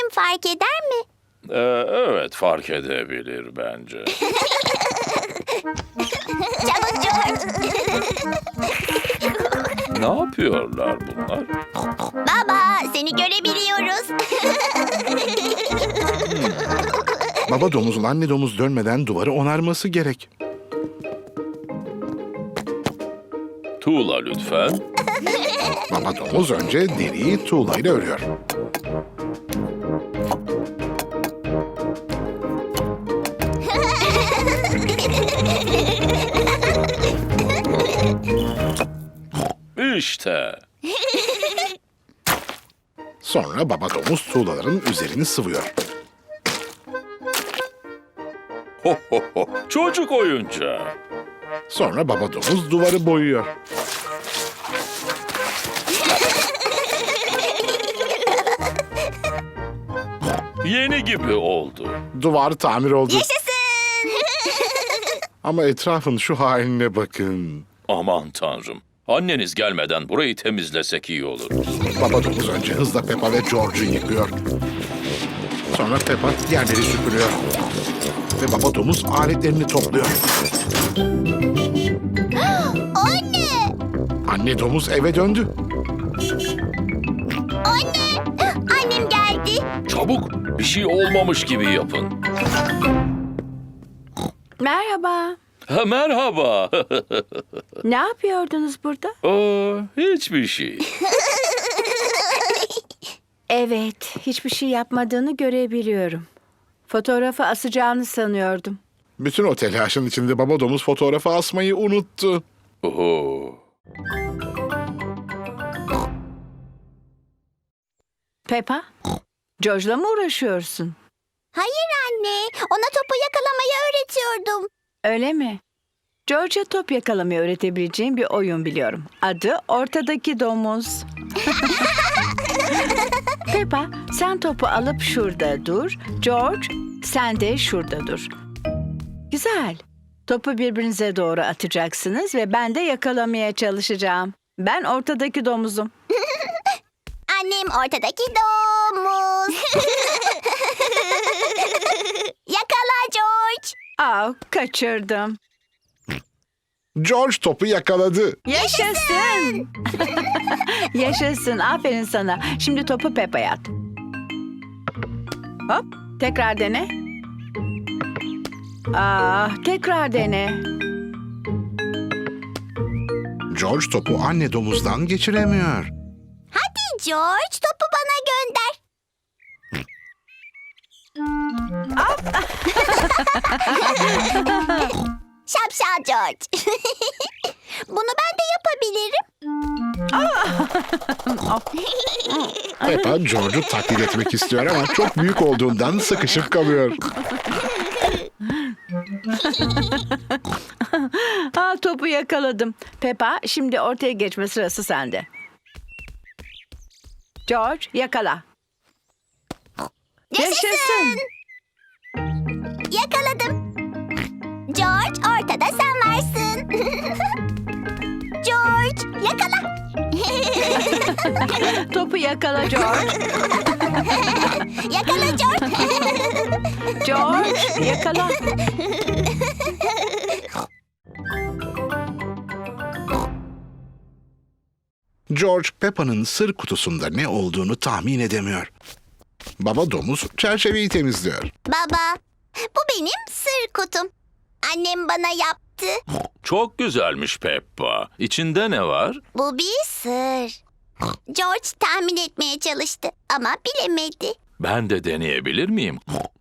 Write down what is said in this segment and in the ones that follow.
Annem fark eder mi? Evet, fark edebilir bence. Çabuk George. Ne yapıyorlar bunlar? Baba, seni görebiliyoruz. Baba domuzun anne domuz dönmeden duvarı onarması gerek. Tuğla lütfen. Baba domuz önce deriyi tuğlayla örüyor. İşte. Sonra baba domuz tuğlaların üzerini sıvıyor. Ho ho ho. Çocuk oyuncağı. Sonra baba domuz duvarı boyuyor. Yeni gibi oldu. Duvar tamir oldu. Yaşasın. Ama etrafın şu haline bakın. Aman tanrım. Anneniz gelmeden burayı temizlesek iyi olur. Baba domuz önce hızla Peppa ve George'u yıkıyor. Sonra Peppa yerleri süpürüyor. Ve baba domuz aletlerini topluyor. Anne! Anne domuz eve döndü. Anne! Annem geldi. Çabuk, bir şey olmamış gibi yapın. Merhaba. Ha, merhaba. Ne yapıyordunuz burada? Hiçbir şey. Evet, hiçbir şey yapmadığını görebiliyorum. Fotoğrafı asacağını sanıyordum. Bütün o telaşın içinde baba domuz fotoğrafı asmayı unuttu. Oho. Peppa, George'la mı uğraşıyorsun? Hayır anne, ona topu yakalamayı öğretiyordum. Öyle mi? George'a top yakalamayı öğretebileceğim bir oyun biliyorum. Adı Ortadaki Domuz. Peppa, sen topu alıp şurada dur. George, sen de şurada dur. Güzel. Topu birbirinize doğru atacaksınız ve ben de yakalamaya çalışacağım. Ben ortadaki domuzum. Annem ortadaki domuz. Yakala George. Kaçırdım. George topu yakaladı. Yaşasın. Yaşasın. Aferin sana. Şimdi topu Peppa'ya at. Hop. Tekrar dene. Tekrar dene. George topu anne domuzdan geçiremiyor. Hadi George, topu bana gönder. Şapşal George. Bunu ben de yapabilirim. Peppa George'u taklit etmek istiyor ama çok büyük olduğundan sıkışıp kalıyor. Topu yakaladım. Peppa, şimdi ortaya geçme sırası sende. George, yakala. Yaşasın. Yakaladım. George, ortada sen varsın. George, yakala. Topu yakala George. Yakala George. George, yakala. George, Peppa'nın sır kutusunda ne olduğunu tahmin edemiyor. Baba domuz çerçeveyi temizliyor. Baba, bu benim sır kutum. Annem bana yaptı. Çok güzelmiş Peppa. İçinde ne var? Bu bir sır. George tahmin etmeye çalıştı ama bilemedi. Ben de deneyebilir miyim?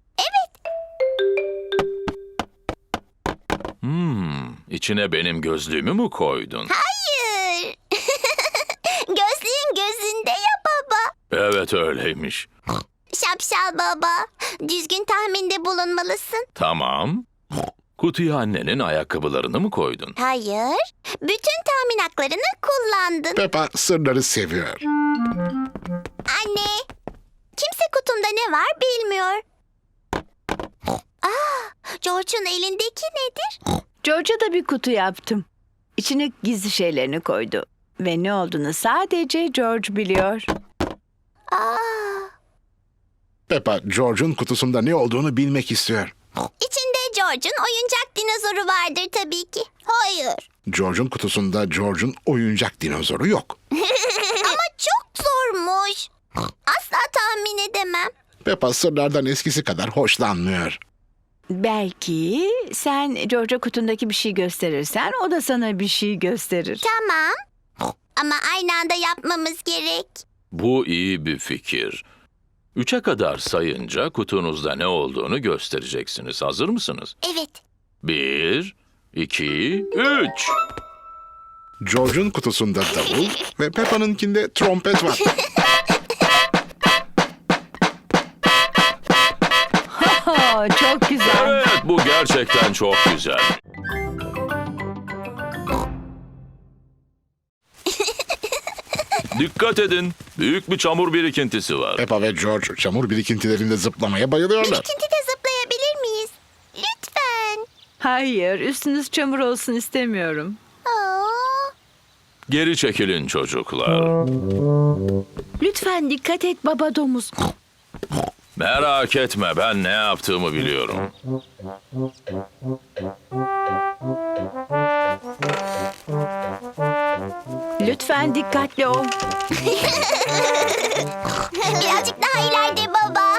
İçine benim gözlüğümü mü koydun? Hayır. Gözlüğün gözünde ya baba. Evet, öyleymiş. Şapşal baba, düzgün tahminde bulunmalısın. Tamam. Kutuya annenin ayakkabılarını mı koydun? Hayır, bütün tahmin haklarını kullandın. Peppa sırları seviyor. Anne, kimse kutumda ne var bilmiyor. George'un elindeki nedir? George'a da bir kutu yaptım. İçine gizli şeylerini koydu. Ve ne olduğunu sadece George biliyor. Aa, Peppa, George'un kutusunda ne olduğunu bilmek istiyor. İçinde George'un oyuncak dinozoru vardır tabii ki. Hayır. George'un kutusunda George'un oyuncak dinozoru yok. Ama çok zormuş. Asla tahmin edemem. Peppa sırlardan eskisi kadar hoşlanmıyor. Belki sen George'a kutundaki bir şey gösterirsen o da sana bir şey gösterir. Tamam. Ama aynı anda yapmamız gerek. Bu iyi bir fikir. 3'e kadar sayınca kutunuzda ne olduğunu göstereceksiniz. Hazır mısınız? Evet. 1, 2, 3. George'un kutusunda davul ve Peppa'nınkinde trompet var. Çok güzel. Evet, bu gerçekten çok güzel. Dikkat edin. Büyük bir çamur birikintisi var. Peppa ve George çamur birikintilerinde zıplamaya bayılıyorlar. Birikintide zıplayabilir miyiz? Lütfen. Hayır, üstünüz çamur olsun istemiyorum. Aa, Geri çekilin çocuklar. Lütfen dikkat et baba domuz. Merak etme, ben ne yaptığımı biliyorum. Lütfen dikkatli ol. birazcık daha ileride baba.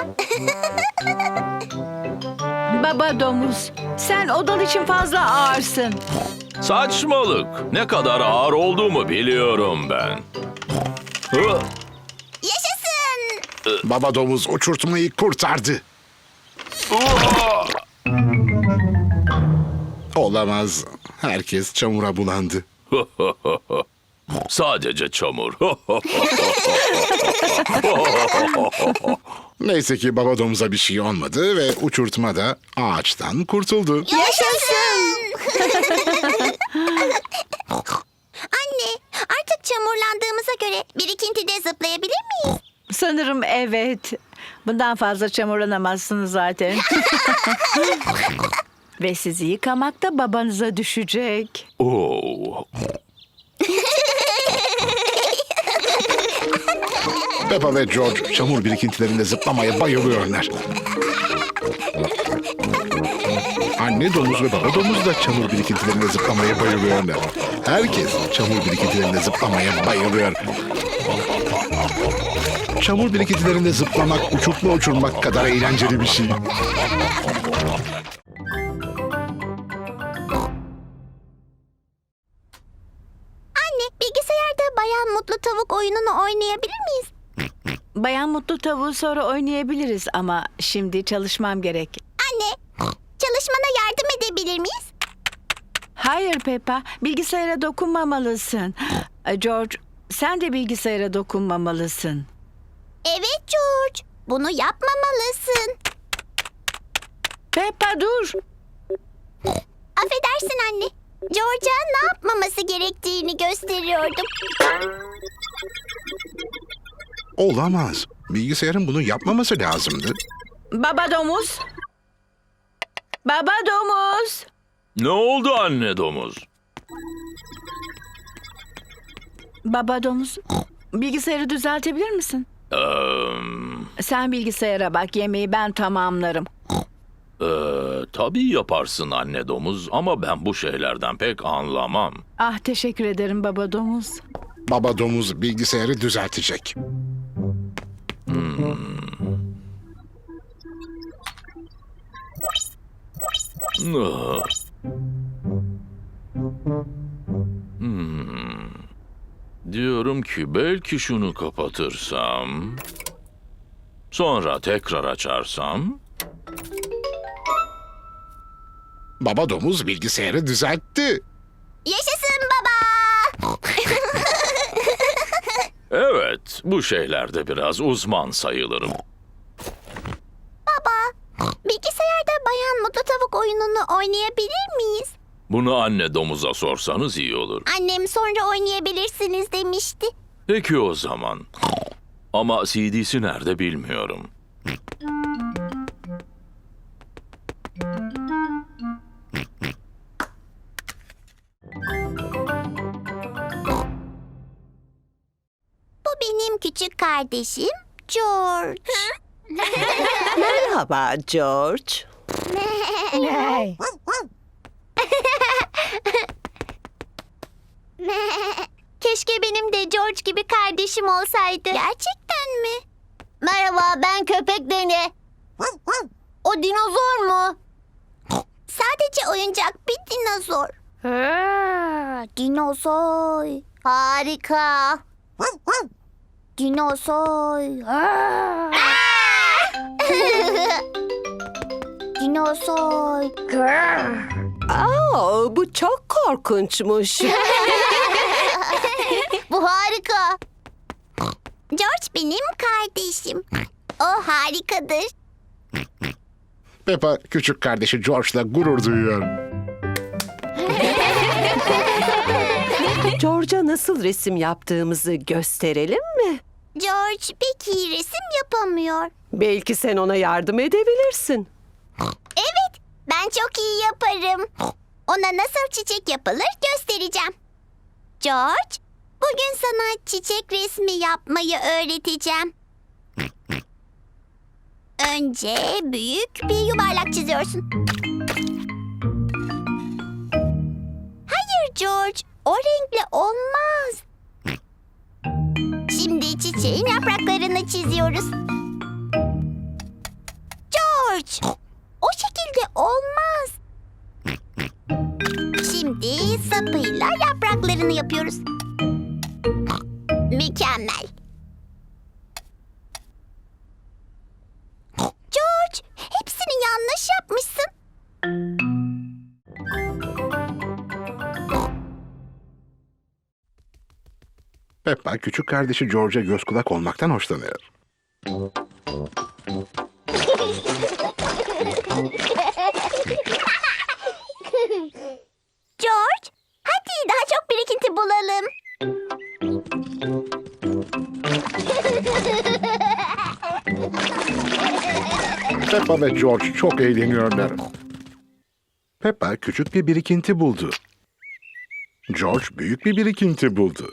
Baba domuz, sen odal için fazla ağırsın. Saçmalık. Ne kadar ağır olduğumu biliyorum ben. Hı, Yaşasın. Baba domuz uçurtmayı kurtardı. uha! Olamaz. Herkes çamura bulandı. Sadece çamur. Neyse ki baba domuza bir şey olmadı ve uçurtma da ağaçtan kurtuldu. Yaşasın. Anne, artık çamurlandığımıza göre birikintide zıplayabilir miyiz? Sanırım evet. Bundan fazla çamurlanamazsınız zaten. Ve sizi yıkamak da babanıza düşecek. Oo. Peppa ve George çamur birikintilerinde zıplamaya bayılıyorlar. Anne domuz ve baba domuz da çamur birikintilerinde zıplamaya bayılıyorlar. Herkes çamur birikintilerinde zıplamaya bayılıyor. Çamur birikintilerinde zıplamak, uçurtma uçurmak kadar eğlenceli bir şey. Anne, bilgisayarda Bayan Mutlu Tavuk oyununu oynayabilir miyiz? Bayan Mutlu Tavuğu sonra oynayabiliriz ama şimdi çalışmam gerek. Anne, çalışmana yardım edebilir miyiz? Hayır Peppa, bilgisayara dokunmamalısın. George, sen de bilgisayara dokunmamalısın. Evet George, bunu yapmamalısın. Peppa dur. Affedersin anne. George'a ne yapmaması gerektiğini gösteriyordum. Olamaz. Bilgisayarın bunu yapmaması lazımdı. Baba domuz. Baba domuz. Ne oldu anne domuz? Baba domuz. Bilgisayarı düzeltebilir misin? Sen bilgisayara bak, yemeği ben tamamlarım. Tabii yaparsın anne domuz ama ben bu şeylerden pek anlamam. Ah, teşekkür ederim baba domuz. Baba domuz bilgisayarı düzeltecek. Ah. Hmm. Diyorum ki belki şunu kapatırsam, sonra tekrar açarsam. Baba domuz bilgisayarı düzeltti. Yaşasın baba. Evet, bu şeylerde biraz uzman sayılırım. Bilgisayarda Bayan Mutlu Tavuk oyununu oynayabilir miyiz? Bunu anne domuza sorsanız iyi olur. Annem sonra oynayabilirsiniz demişti. Peki o zaman. Ama CD'si nerede bilmiyorum. Bu benim küçük kardeşim George. Merhaba George. Keşke benim de George gibi kardeşim olsaydı. Gerçekten mi? Merhaba, ben köpek Deni. O dinozor mu? Sadece oyuncak bir dinozor. Dinozor. Harika. Dinozor. Dinozor. Bu çok korkunçmuş. Bu harika. George benim kardeşim. O harikadır. Peppa küçük kardeşi George'la gurur duyuyor. George'a nasıl resim yaptığımızı gösterelim mi? George pek iyi resim yapamıyor. Belki sen ona yardım edebilirsin. Evet, ben çok iyi yaparım. Ona nasıl çiçek yapılır göstereceğim. George, bugün sana çiçek resmi yapmayı öğreteceğim. Önce büyük bir yuvarlak çiziyorsun. Hayır George, o renkle olmaz. Şimdi çiçeğin yapraklarını çiziyoruz. George, o şekilde olmaz. Şimdi sapıyla yapraklarını yapıyoruz. Mükemmel. George, hepsini yanlış yapmışsın. Peppa küçük kardeşi George'a göz kulak olmaktan hoşlanıyor. George, hadi daha çok birikinti bulalım. Peppa ve George çok eğleniyorlar. Peppa küçük bir birikinti buldu. George büyük bir birikinti buldu.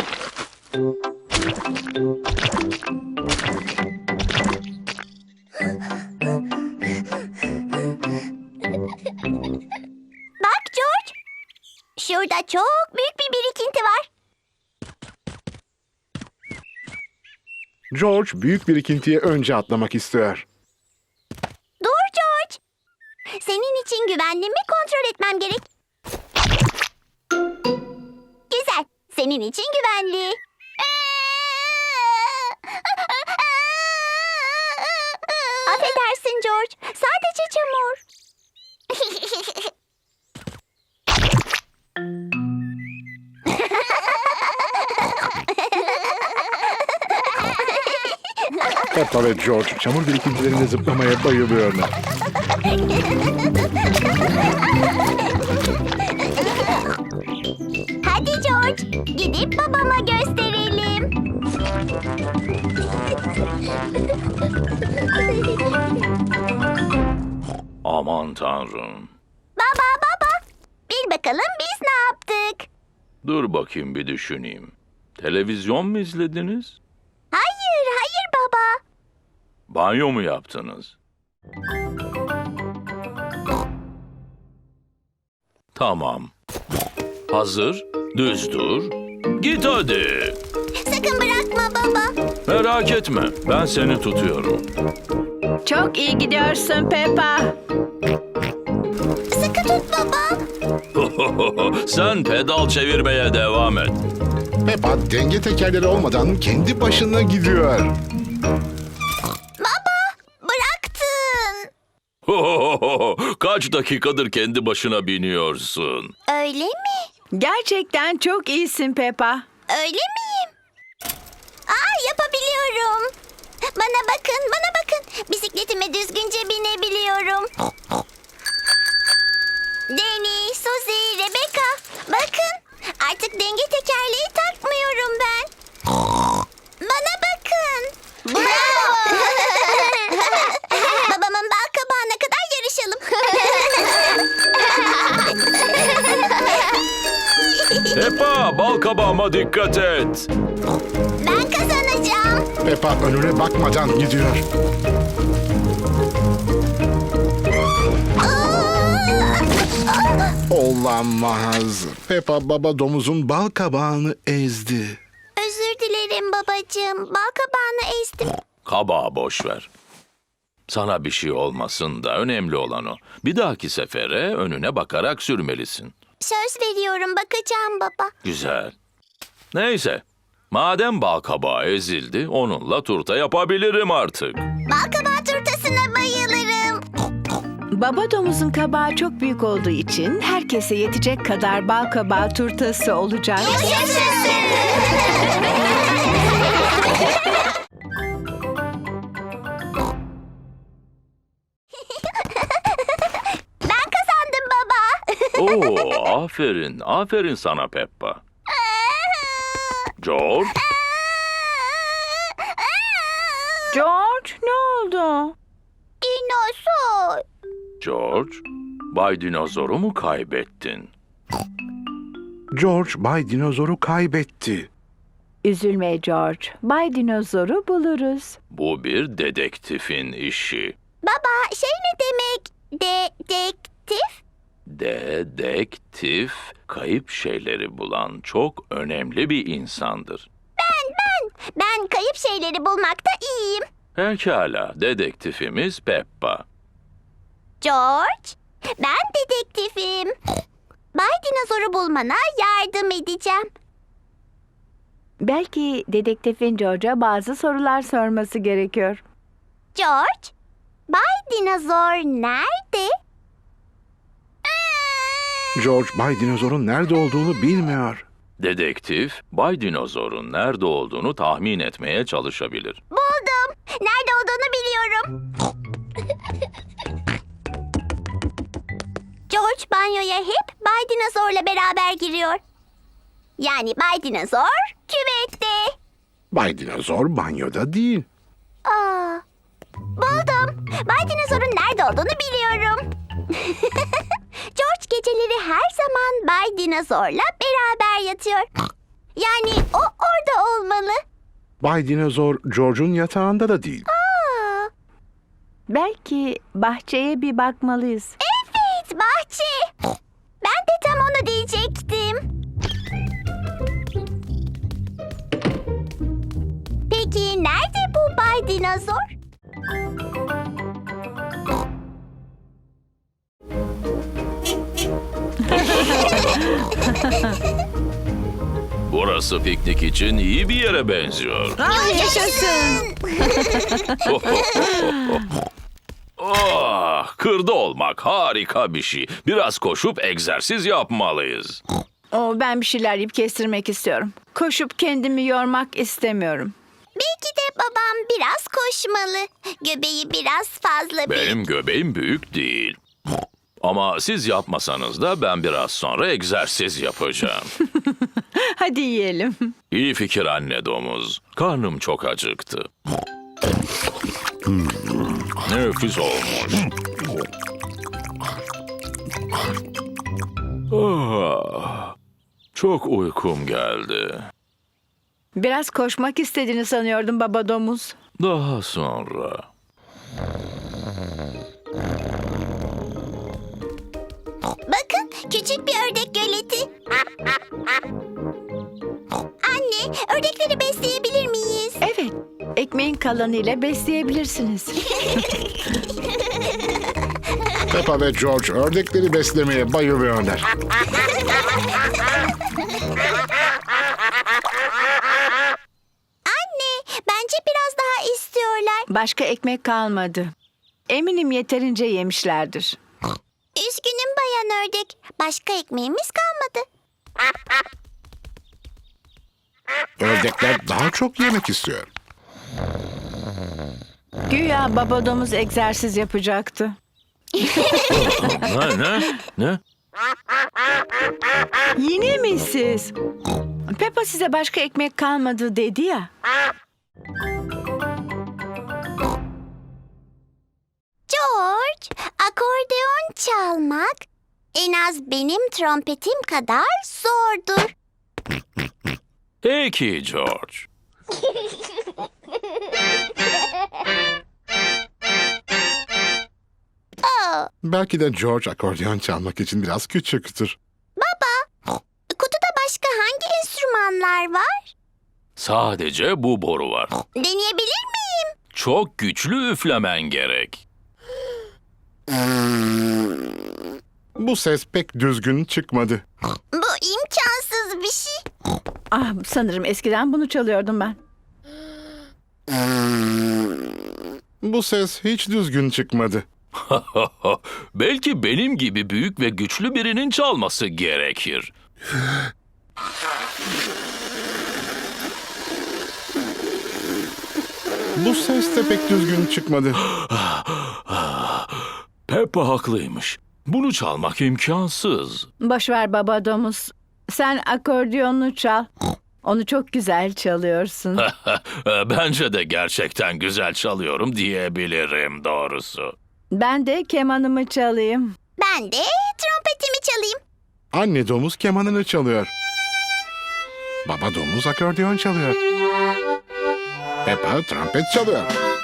Bak George, şurada çok büyük bir birikinti var. George büyük birikintiye önce atlamak istiyor. Dur George. Senin için güvenliğimi kontrol etmem gerek. Güzel. Senin için güvenli. Affedersin George. Sadece çamur. Peppa ve George çamur birikintilerinde zıplamaya bayılıyorlar. Hadi George, gidip babama gösterelim. Aman tanrım. Baba, bil bakalım biz ne yaptık? Dur bakayım bir düşüneyim. Televizyon mu izlediniz? Hayır baba. Banyo mu yaptınız? Tamam. Hazır, düz dur. Git hadi. Sakın bırakma baba. Merak etme, ben seni tutuyorum. Çok iyi gidiyorsun Peppa. Sıkı tut baba. Sen pedal çevirmeye devam et. Peppa denge tekerleri olmadan kendi başına gidiyor. Baba, bıraktın. Kaç dakikadır kendi başına biniyorsun? Öyle mi? Gerçekten çok iyisin Peppa. Öyle miyim? Yapabiliyorum. Bana bakın. Bisikletime düzgünce binebiliyorum. Deni, Suzy, Rebecca. Bakın. Artık denge tekerleği takmıyorum ben. Bana bakın. Bravo. Babamın bal kabağına kadar yarışalım. Peppa, bal kabağıma dikkat et. Ben kazanacağım. Peppa önüne bakmadan gidiyor. Olamaz. Peppa baba domuzun bal kabağını ezdi. Özür dilerim babacığım. Bal kabağını ezdim. Kabağı boş ver. Sana bir şey olmasın da önemli olan o. Bir dahaki sefere önüne bakarak sürmelisin. Söz veriyorum, bakacağım baba. Güzel. Neyse. Madem bal kabağı ezildi, onunla turta yapabilirim artık. Bal kabağı turtasına bayılırım. Baba domuzun kabağı çok büyük olduğu için herkese yetecek kadar bal kabağı turtası olacak. Yaşasın. Ben kazandım baba. Oo, aferin, aferin sana Peppa. George, George, ne oldu? Dinozor. George, Bay Dinozor'u mu kaybettin? George Bay Dinozor'u kaybetti. Üzülme George. Bay Dinozor'u buluruz. Bu bir dedektifin işi. Baba, şey ne demek? Dedektif? Dedektif, kayıp şeyleri bulan çok önemli bir insandır. Ben kayıp şeyleri bulmakta iyiyim. Pekala, dedektifimiz Peppa. George, ben dedektifim. Bay Dinozor'u bulmana yardım edeceğim. Belki dedektifin George'a bazı sorular sorması gerekiyor. George, Bay Dinozor nerede? George Bay Dinozor'un nerede olduğunu bilmiyor. Dedektif, Bay Dinozor'un nerede olduğunu tahmin etmeye çalışabilir. Buldum. Nerede olduğunu biliyorum. George banyoya hep Bay Dinozor'la beraber giriyor. Yani Bay Dinozor küvette. Bay Dinozor banyoda değil. Aa, buldum. Bay Dinozor'un nerede olduğunu biliyorum. George geceleri her zaman Bay Dinozor'la beraber yatıyor. Yani o orada olmalı. Bay Dinozor George'un yatağında da değil. Aa, Belki bahçeye bir bakmalıyız. evet, bahçe. Ben de tam onu diyecektim. Peki nerede bu Bay Dinozor? Burası piknik için iyi bir yere benziyor. Yaşasın. Oh, kırda olmak harika bir şey. Biraz koşup egzersiz yapmalıyız. Ben bir şeyler yiyip kestirmek istiyorum. Koşup kendimi yormak istemiyorum. Belki de babam biraz koşmalı. Göbeği biraz fazla büyük. Benim göbeğim büyük değil. Ama siz yapmasanız da ben biraz sonra egzersiz yapacağım. Hadi yiyelim. İyi fikir anne domuz. Karnım çok acıktı. Nefis olmuş. Ah, çok uykum geldi. Biraz koşmak istediğini sanıyordum baba domuz. Daha sonra. Bakın, küçük bir ördek göleti. Anne, ördekleri besleyebilir miyiz? Evet, ekmeğin kalanıyla besleyebilirsiniz. Peppa ve George ördekleri beslemeye bayılıyorlar. Anne, bence biraz daha istiyorlar. Başka ekmek kalmadı. Eminim yeterince yemişlerdir. Üzgünüm bayan ördek. Başka ekmeğimiz kalmadı. Ördekler daha çok yemek istiyor. Güya baba domuz egzersiz yapacaktı. Ne? Yine mi siz? Peppa size başka ekmek kalmadı dedi ya. George, akordeon çalmak en az benim trompetim kadar zordur. Peki George. Belki de George akordeon çalmak için biraz küçüktür. Kutuda başka hangi enstrümanlar var? Sadece bu boru var. Deneyebilir miyim? Çok güçlü üflemen gerek. Bu ses pek düzgün çıkmadı. Bu imkansız bir şey. Ah, sanırım eskiden bunu çalıyordum ben. Bu ses hiç düzgün çıkmadı. Belki benim gibi büyük ve güçlü birinin çalması gerekir. Bu ses de pek düzgün çıkmadı. Peppa haklıymış. Bunu çalmak imkansız. Boş ver baba domuz. Sen akordeonunu çal. Onu çok güzel çalıyorsun. Bence de gerçekten güzel çalıyorum diyebilirim doğrusu. Ben de kemanımı çalayım. Ben de trompetimi çalayım. Anne domuz kemanını çalıyor. Baba domuz akordeon çalıyor. Peppa trompet çalıyor.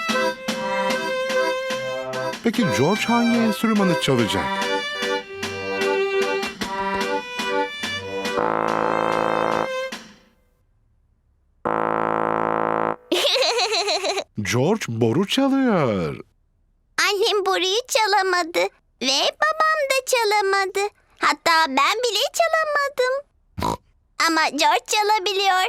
Peki George hangi enstrümanı çalacak? George boru çalıyor. Annem boruyu çalamadı ve babam da çalamadı. Hatta ben bile çalamadım. Ama George çalabiliyor.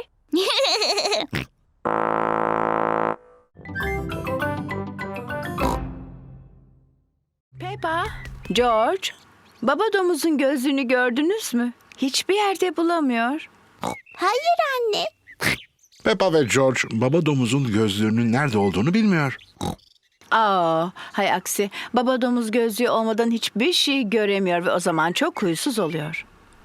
Peppa, George, baba domuzun gözlüğünü gördünüz mü? Hiçbir yerde bulamıyor. Hayır anne. Peppa ve George baba domuzun gözlüğünün nerede olduğunu bilmiyor. Aa, hay aksi. Baba domuz gözlüğü olmadan hiçbir şey göremiyor ve o zaman çok huysuz oluyor.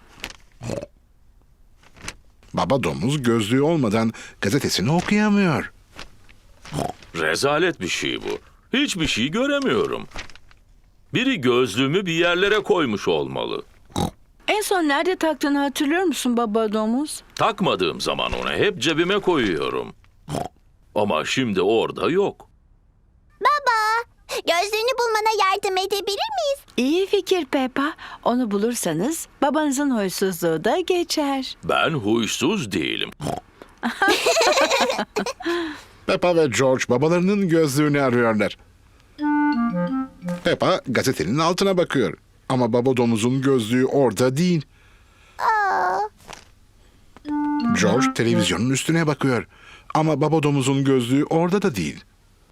Baba domuz gözlüğü olmadan gazetesini okuyamıyor. Rezalet bir şey bu. Hiçbir şey göremiyorum. Biri gözlüğümü bir yerlere koymuş olmalı. En son nerede taktığını hatırlıyor musun baba domuz? Takmadığım zaman onu hep cebime koyuyorum. Ama şimdi orada yok. Baba, gözlüğünü bulmana yardım edebilir miyiz? İyi fikir Peppa. Onu bulursanız babanızın huysuzluğu da geçer. Ben huysuz değilim. Peppa ve George babalarının gözlüğünü arıyorlar. Peppa gazetenin altına bakıyor. Ama baba domuzun gözlüğü orada değil. George televizyonun üstüne bakıyor. Ama baba domuzun gözlüğü orada da değil.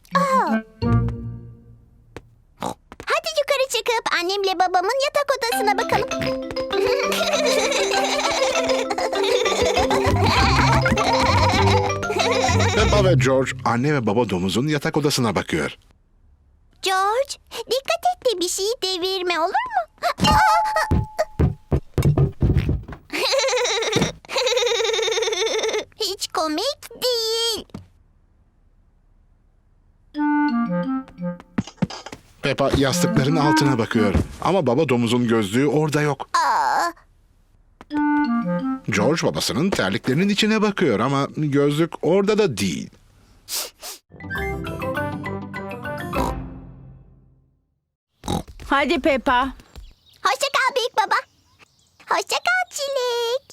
Hadi yukarı çıkıp annemle babamın yatak odasına bakalım. Peppa ve George anne ve baba domuzun yatak odasına bakıyor. George, dikkat et de bir şeyi devirme olur mu? Hiç komik değil. Peppa yastıkların altına bakıyor. Ama baba domuzun gözlüğü orada yok. George babasının terliklerinin içine bakıyor ama gözlük orada da değil. Hadi Peppa. Hoşça kal büyük baba. Hoşça kal Çilek.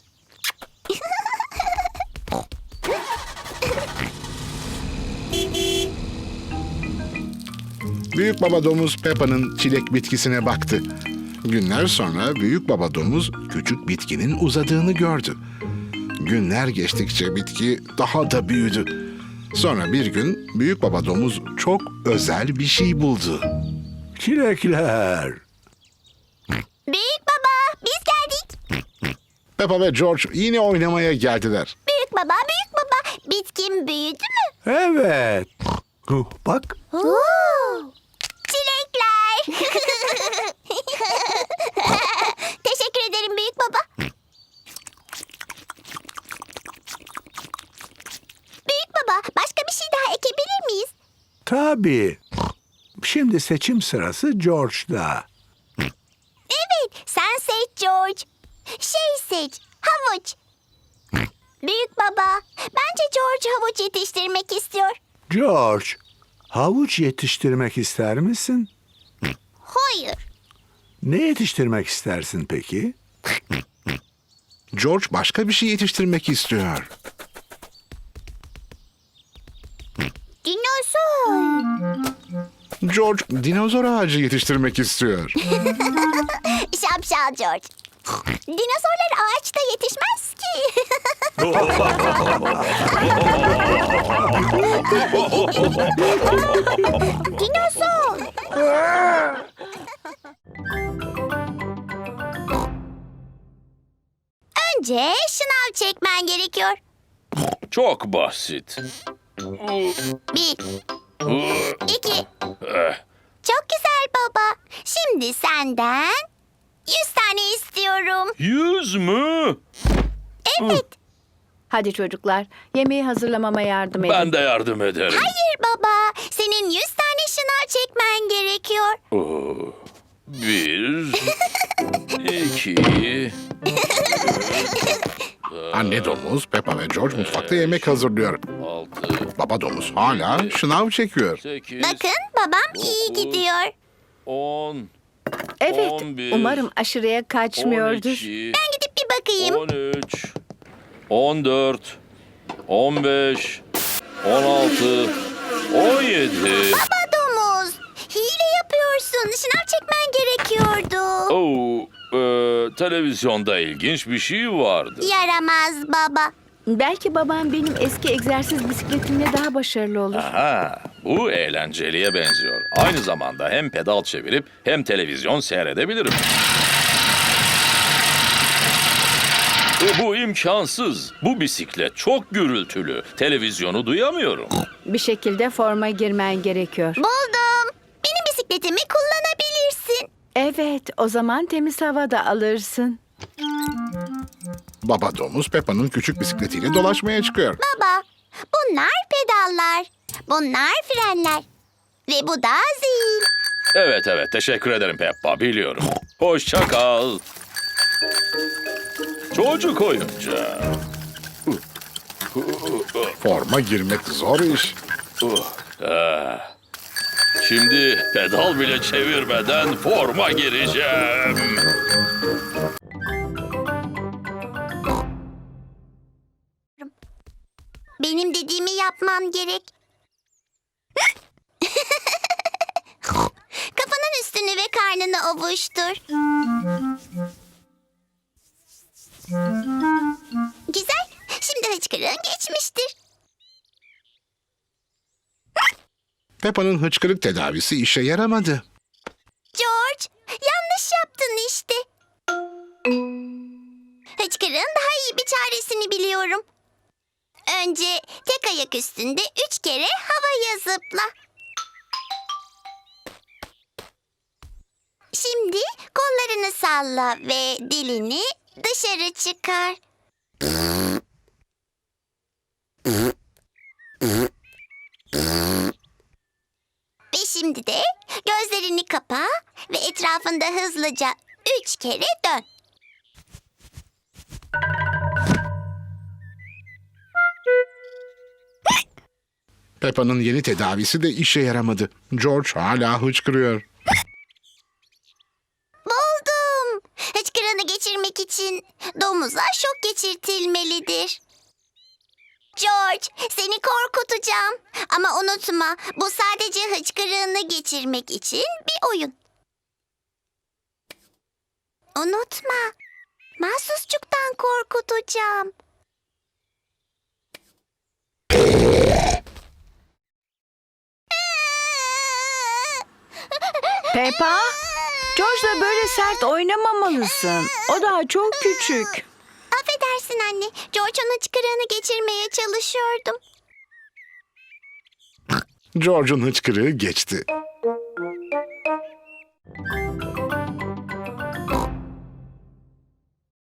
Büyük baba domuz Peppa'nın çilek bitkisine baktı. Günler sonra büyük baba domuz küçük bitkinin uzadığını gördü. Günler geçtikçe bitki daha da büyüdü. Sonra bir gün büyük baba domuz çok özel bir şey buldu. Çilekler. Büyük baba, biz geldik. Peppa ve George yine oynamaya geldiler. Büyük baba, büyük baba. Bitkin büyüdü mü? Evet. Bak. Çilekler. Teşekkür ederim büyük baba. Büyük baba, başka bir şey daha ekebilir miyiz? Tabii. Şimdi seçim sırası George'da. Evet, sen seç George. Seç, havuç. Büyük baba, bence George havuç yetiştirmek istiyor. George, havuç yetiştirmek ister misin? Hayır. Ne yetiştirmek istersin peki? George başka bir şey yetiştirmek istiyor. Dinozor. George dinozor ağacı yetiştirmek istiyor. Şapşal George. Dinozorlar ağaçta yetişmez ki. Dinozor. Önce şınav çekmen gerekiyor. Çok basit. Bir, iki. Çok güzel baba. Şimdi senden 100 tane istiyorum. 100 mü? Evet. Hadi çocuklar, yemeği hazırlamama yardım edin. Ben de yardım ederim. Hayır baba. Senin 100 tane şınav çekmen gerekiyor. 1, 2, Anne domuz, Peppa ve George mutfakta yemek hazırlıyor. 6, Baba domuz hala şınav çekiyor. 8, Bakın babam iyi gidiyor. 10, Evet, 11, umarım aşırıya kaçmıyordur. 12, Ben gidip bir bakayım. 13, 14, 15, 16, 17. Baba domuz. Hile yapıyorsun. Şınav çekmen gerekiyordu. Televizyonda ilginç bir şey vardı. Yaramaz baba. Belki babam benim eski egzersiz bisikletimle daha başarılı olur. Aha, bu eğlenceliye benziyor. Aynı zamanda hem pedal çevirip hem televizyon seyredebilirim. Bu imkansız. Bu bisiklet çok gürültülü. Televizyonu duyamıyorum. Bir şekilde forma girmen gerekiyor. Buldum. Benim bisikletimi kullanabilirsin. Evet, o zaman temiz hava da alırsın. Baba domuz Peppa'nın küçük bisikletiyle dolaşmaya çıkıyor. Baba, bunlar pedallar. Bunlar frenler. Ve bu da zil. Evet, teşekkür ederim Peppa, biliyorum. Hoşça kal. Çocuk oyuncağı. Forma girmek zor iş. Şimdi pedal bile çevirmeden forma gireceğim. Benim dediğimi yapman gerek. Kafanın üstünü ve karnını ovuştur. Güzel. Şimdi hıçkırığın geçmiştir. Peppa'nın hıçkırık tedavisi işe yaramadı. George, yanlış yaptın işte. Hıçkırığın daha iyi bir çaresini biliyorum. Önce tek ayak üstünde 3 kere havaya zıpla. Şimdi kollarını salla ve dilini dışarı çıkar. Ve şimdi de gözlerini kapa ve etrafında hızlıca 3 kere dön. Peppa'nın yeni tedavisi de işe yaramadı. George hala hıçkırıyor. Buldum. Hıçkırığını geçirmek için domuza şok geçirtilmelidir. George, seni korkutacağım. Ama unutma, bu sadece hıçkırığını geçirmek için bir oyun. Unutma, mahsusçuktan korkutacağım. Peppa, George'la böyle sert oynamamalısın. O daha çok küçük. Affedersin anne, George'un hıçkırığını geçirmeye çalışıyordum. George'un hıçkırığı geçti.